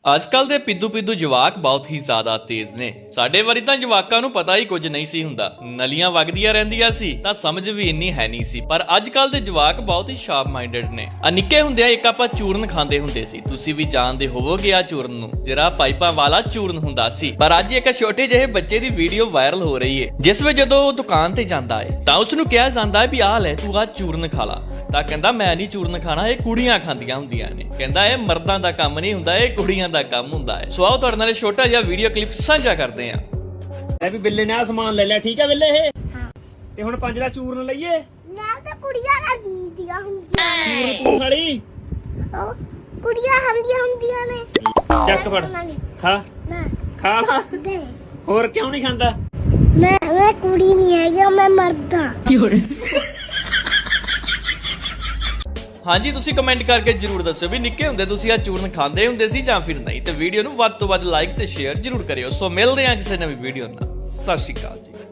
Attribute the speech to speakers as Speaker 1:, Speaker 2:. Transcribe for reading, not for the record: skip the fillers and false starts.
Speaker 1: ਅੱਜਕੱਲ ਦੇ ਪਿੱਦੂ ਜਵਾਕ ਬਹੁਤ ਹੀ ਜ਼ਿਆਦਾ ਤੇਜ਼ ਨੇ। ਸਾਡੇ ਵਾਰੀ ਤਾਂ ਜਵਾਕਾਂ ਨੂੰ ਪਤਾ ਹੀ ਕੁਝ ਨਹੀਂ ਸੀ ਹੁੰਦਾ, ਨਲੀਆਂ ਵਗਦੀਆਂ ਰਹਿੰਦੀਆਂ ਸੀ ਤਾਂ ਸਮਝ ਵੀ ਇੰਨੀ ਹੈ ਨਹੀਂ ਸੀ। ਪਰ ਅੱਜਕੱਲ ਦੇ ਜਵਾਕ ਬਹੁਤ ਹੀ ਸ਼ਾਰਪ ਮਾਈਂਡਡ ਨੇ। ਨਿੱਕੇ ਹੁੰਦਿਆਂ ਇੱਕ ਆਪਾਂ ਚੂਰਨ ਖਾਂਦੇ ਹੁੰਦੇ ਸੀ, ਤੁਸੀਂ ਵੀ ਜਾਣਦੇ ਹੋਵੋਗੇ ਆ ਚੂਰਨ ਨੂੰ, ਜਿਹੜਾ ਪਾਈਪਾਂ ਵਾਲਾ ਚੂਰਨ ਹੁੰਦਾ ਸੀ। ਪਰ ਅੱਜ ਇੱਕ ਛੋਟੇ ਜਿਹੇ ਬੱਚੇ ਦੀ ਵੀਡੀਓ ਵਾਇਰਲ ਹੋ ਰਹੀ ਹੈ, ਜਿਸ ਵਿੱਚ ਜਦੋਂ ਉਹ ਦੁਕਾਨ ਤੇ ਜਾਂਦਾ ਹੈ ਤਾਂ ਉਸ ਨੂੰ ਕਿਹਾ ਜਾਂਦਾ ਹੈ ਵੀ ਆਹ ਲੈ ਤੂੰ ਆ ਚੂਰਨ ਖਾ ਲਾ। ਤਾਂ ਕਹਿੰਦਾ ਮੈਂ ਨਹੀਂ ਚੂਰਨ ਖਾਣਾ, ਇਹ ਕੁੜੀਆਂ ਖਾਂਦੀਆਂ ਹੁੰਦੀਆਂ ਨੇ। ਕਹਿੰਦਾ ਇਹ ਮਰਦਾਂ ਦਾ ਕੰਮ ਨਹੀਂ ਹੁੰਦਾ, ਇਹ ਕੁੜੀਆਂ ਦਾ ਕੰਮ ਹੁੰਦਾ ਹੈ। ਸੋ ਆਓ ਤੁਹਾਡੇ ਨਾਲ ਛੋਟਾ ਜਿਹਾ ਵੀਡੀਓ ਕਲਿੱਪ ਸਾਂਝਾ ਕਰਦੇ ਆਂ।
Speaker 2: ਵੀ ਬਿੱਲੇ ਨੇ ਆ ਸਮਾਨ ਲੈ ਲਿਆ, ਠੀਕ ਹੈ ਬਿੱਲੇ ਇਹ? ਹਾਂ। ਤੇ ਹੁਣ 5 ਦਾ ਚੂਰਨ ਲਈਏ?
Speaker 3: ਨਾ ਤਾਂ ਕੁੜੀਆਂ ਹੁੰਦੀਆਂ ਨੇ।
Speaker 2: ਚੂਰਨ ਤੂੰ ਖਾਲੀ?
Speaker 3: ਉਹ ਕੁੜੀਆਂ ਹੁੰਦੀਆਂ ਨੇ।
Speaker 2: ਚੱਕ ਫੜ ਖਾ।
Speaker 3: ਨਾ
Speaker 2: ਖਾ ਲਾ।
Speaker 3: ਦੇ
Speaker 2: ਹੋਰ ਕਿਉਂ ਨਹੀਂ ਖਾਂਦਾ?
Speaker 3: ਮੈਂ ਕੁੜੀ ਨਹੀਂ ਹੈਗਾ, ਮੈਂ ਮਰਦ ਹਾਂ।
Speaker 1: ਹਾਂਜੀ, ਤੁਸੀਂ ਕਮੈਂਟ ਕਰਕੇ ਜਰੂਰ ਦੱਸਿਓ ਵੀ ਨਿੱਕੇ ਹੁੰਦੇ ਤੁਸੀਂ ਆ ਚੂਰਨ ਖਾਂਦੇ ਹੁੰਦੇ ਸੀ ਜਾਂ ਫਿਰ ਨਹੀਂ। ਤੇ ਵੀਡੀਓ ਨੂੰ ਵੱਧ ਤੋਂ ਵੱਧ ਲਾਈਕ ਤੇ ਸ਼ੇਅਰ ਜਰੂਰ ਕਰਿਓ। ਸੋ ਮਿਲਦੇ ਹਾਂ ਕਿਸੇ ਨਵੀਂ ਵੀਡੀਓ ਨਾਲ। ਸਤਿ ਸ਼੍ਰੀ ਅਕਾਲ ਜੀ।